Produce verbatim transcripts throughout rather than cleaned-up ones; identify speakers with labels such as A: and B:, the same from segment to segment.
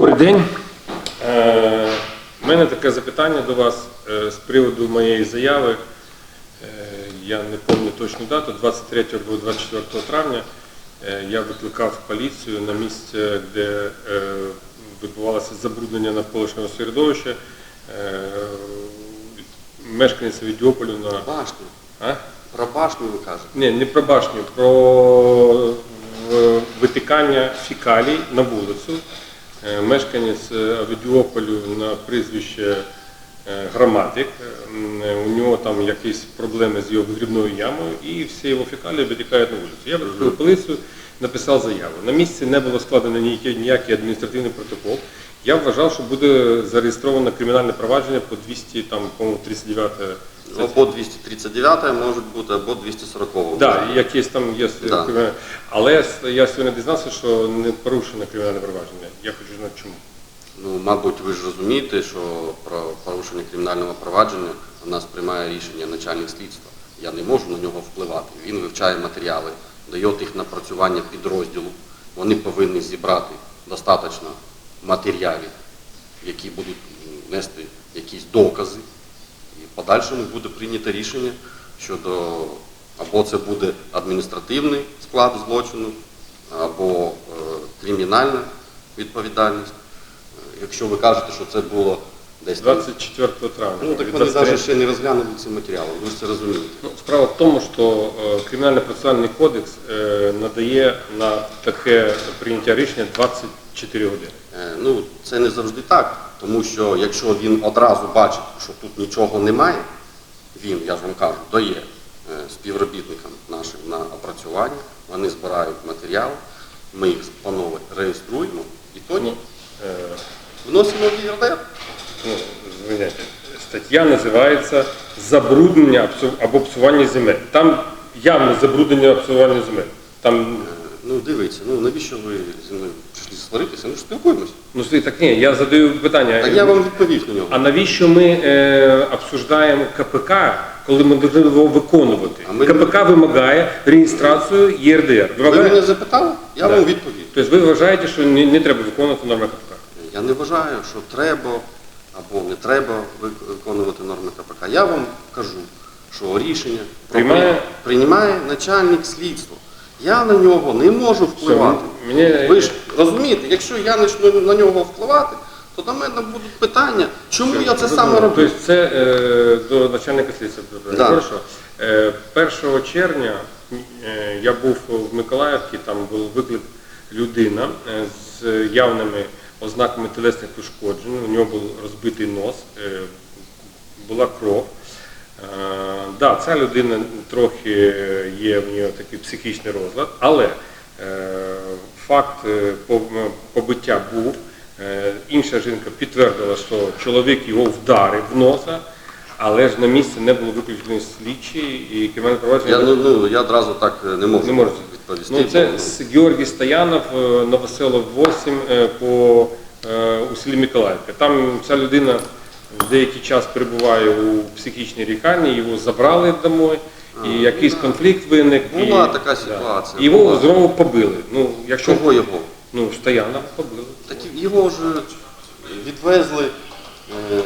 A: Добрий день. У мене таке запитання до вас з приводу моєї заяви. Я не пам'ятаю точну дату, двадцять третього або двадцять четвертого травня я викликав поліцію на місце, де відбувалося забруднення навколишнього середовища. Мешканця Авдіополя на...
B: Башню.
A: А?
B: Про башню ви кажете?
A: Ні, не про башню, про витикання фекалій на вулицю. Мешканець Авдіополю на прізвище Граматик. У нього там якісь проблеми з його вигрібною ямою і всі його фекалії витікають на вулицю. Я викликав поліцію, написав заяву. На місці не було складено ніякий адміністративний протокол. Я вважав, що буде зареєстровано кримінальне провадження по двісті тридцять дев'ятій.
B: Або двісті тридцять дев'ята може бути, або двісті сорока.
A: Так, да, якісь там є. Да. Але я сьогодні дізнався, що не порушено кримінальне провадження. Я хочу знати чому.
B: Ну, мабуть, ви ж розумієте, що про порушення кримінального провадження у нас приймає рішення начальник слідства. Я не можу на нього впливати. Він вивчає матеріали, дає їх напрацювання підрозділу. Вони повинні зібрати достатньо матеріалів, які будуть нести якісь докази. І в подальшому буде прийнято рішення щодо, або це буде адміністративний склад злочину, або е, кримінальна відповідальність. Якщо ви кажете, що це було десь
A: двадцять четвертого травня.
B: Ну, так вони навіть ще не розглянули ці матеріали, ви ж це розумієте.
A: Ну, справа в тому, що е, Кримінально-процесуальний кодекс е, надає на таке прийняття рішення двадцять чотири години.
B: Е, ну, це не завжди так, тому що якщо він одразу бачить, що тут нічого немає, він, я ж вам кажу, дає е, співробітникам нашим на опрацювання, вони збирають матеріали, ми їх панове реєструємо і тоді
A: ну, е...
B: вносимо в ЄРДР.
A: Ну, звиняйте, стаття називається «Забруднення або псування земель». Там явне забруднення псування земель. Там...
B: Ну, дивіться, ну навіщо ви зі мною прийшли сваритися? Ми ж спілкуємося.
A: Ну, так ні, я задаю питання.
B: Так я вам відповів на нього.
A: А навіщо ми е, обсуждаємо КПК, коли ми повинні його виконувати?
B: Ми...
A: КПК вимагає реєстрацію ЄРДР.
B: Вимагає... Ви мене запитали? Я да. вам відповів.
A: Тобто ви вважаєте, що не, не треба виконувати норми КПК?
B: Я не вважаю, що треба або не треба виконувати норми КПК. Я вам кажу, що рішення
A: приймає,
B: приймає начальник слідства. Я на нього не можу впливати.
A: Все, мені...
B: Ви ж розумієте, якщо я почну на нього впливати, то до мене будуть питання, чому Все, я це саме роблю.
A: Тобто це е, до начальника слідства.
B: Да.
A: Хорошо. Е, першого червня е, я був в Миколаївці, там був виклик людина е, з явними ознаками тілесних ушкоджень, у нього був розбитий нос, е, була кров. Так, е, да, ця людина трохи є в нього такий психічний розлад, але е, факт побиття був. Е, інша жінка підтвердила, що чоловік його вдарив в носа, але ж на місці не було виключено слідчі і кримінальне провадження.
B: Я, ну, ну, я одразу так не можу не відповісти.
A: Ну, це бо... Георгій Стоянов, Новоселов вісім по, у селі Миколаївка. Там ця людина деякий час перебуває у психічній лікарні, його забрали домой, а, і якийсь да. конфлікт виник.
B: Була
A: і,
B: така ситуація.
A: Да. Його була. Знову побили. Ну, якщо...
B: Чого його?
A: Ну, Стоянова побили.
B: Так його ж відвезли е,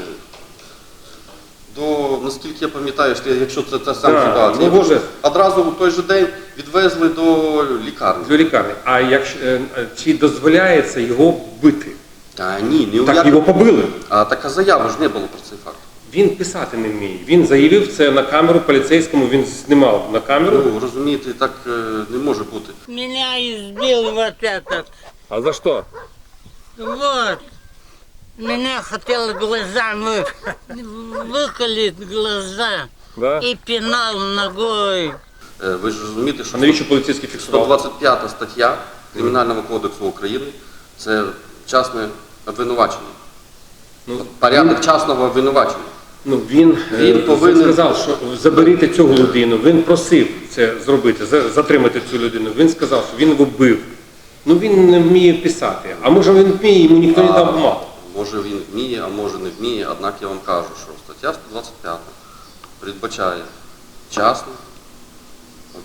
B: до, наскільки я пам'ятаю, якщо це та сама да, ситуація,
A: ну, вже...
B: одразу в той же день відвезли до лікарні.
A: До лікарні. А якщо, чи дозволяється його бити?
B: Та ні, не
A: так
B: як...
A: його побили.
B: А така заява ж не було про цей факт.
A: Він писати не вміє. Він заявив це на камеру поліцейському, він знімав на камеру.
B: Ну, розумієте, так не може бути.
C: Меня избил вот этот.
A: А за що?
C: Вот. Меня хотел глазами выколить глаза
A: да?
C: и пинал ногой.
B: Ви ж розумієте, що
A: а навіщо поліцейський фіксував?
B: сто двадцять п'ята стаття Кримінального кодексу України – це частне обвинувачення. Ну, порядок частного обвинувачення.
A: Ну, він,
B: він повинен...
A: сказав, що заберіть цю людину, він просив це зробити, затримати цю людину. Він сказав, що він його бив. Ну він не вміє писати. А може він вміє, йому ніхто не дав бумагу.
B: Може він вміє, а може не вміє. Однак я вам кажу, що стаття сто двадцять п'ята передбачає частне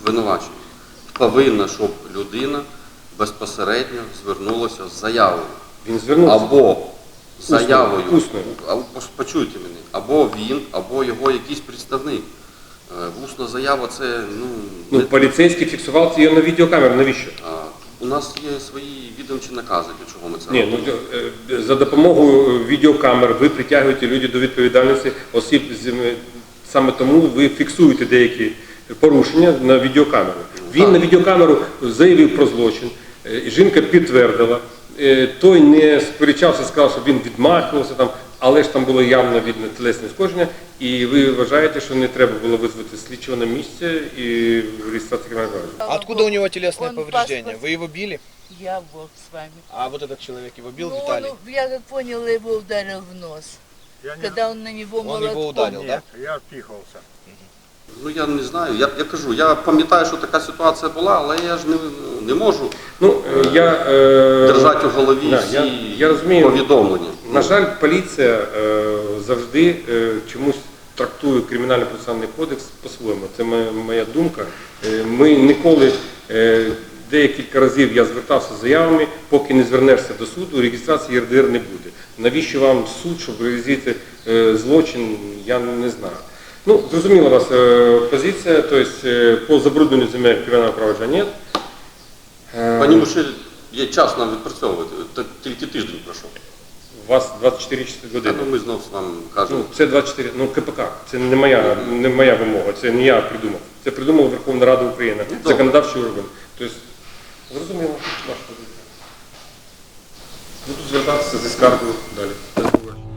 B: обвинувачення. Повинна, щоб людина безпосередньо звернулася з заявою.
A: Він звернувся.
B: Або заявою,
A: Усною.
B: або, почуйте мене, або він, або його якийсь представник. Е, Усна заява це, ну,
A: Ну,
B: не-
A: поліцейський фіксував це на відеокамеру. Навіщо?
B: а, у нас є свої відомчі накази, для чого ми це
A: Ні,
B: робимо.
A: ну е, за допомогою відеокамер ви притягуєте людей до відповідальності осіб з е, саме тому ви фіксуєте деякі порушення на відеокамеру. Він
B: так.
A: на відеокамеру заявив про злочин, е, жінка підтвердила, е, той не сперечався, сказав, що він відмахувався там, але ж там було явно видно тілесне ушкодження, і ви вважаєте, що не треба було визвати слідчого на місце і реєстрацію кримінального провадження?
D: А откуда у него телесные
E: Он
D: повреждения?
E: паспорт-
D: Вы его били?
E: Я был с вами.
D: А вот этот человек его бил,
E: Ну, он,
D: Виталий?
E: я как поняла, его ударил в нос.
F: Я не,
E: Когда он на него
D: Он
E: молотком.
D: его ударил, да?
F: нет, я отпихивался.
B: Ну я не знаю. Я, я кажу, я пам'ятаю, що така ситуація була, але я ж не, не можу
A: Ну, е, я, е,
B: держати у голові
A: да,
B: всі
A: я, я розумію.
B: повідомлення.
A: На жаль, поліція е, завжди е, чомусь трактує кримінальний процесуальний кодекс по-своєму. Це моя, моя думка. Е, ми ніколи, е, декілька разів я звертався з заявами, поки не звернешся до суду, реєстрації Є Р Д Р не буде. Навіщо вам суд, щоб реалізувати е, злочин, я не знаю. Ну, зрозуміла у вас е, позиція, тобто е, по забрудненню земель кримінального провадження нет. Е,
B: Пані Мушель, є час нам відпрацьовувати, Та тільки тиждень пройшов.
A: У вас двадцять чотири
B: Та,
A: години.
B: ну, ми знов вам кажемо.
A: Ну, це двадцять чотири, ну К П К, це не моя, не моя вимога, це не я придумав. Це придумала Верховна Рада України,
B: Ну, добре.
A: законодавчий орган. Тобто, зрозуміло, ваша позиція. Буду звертатися зі скаргою далі.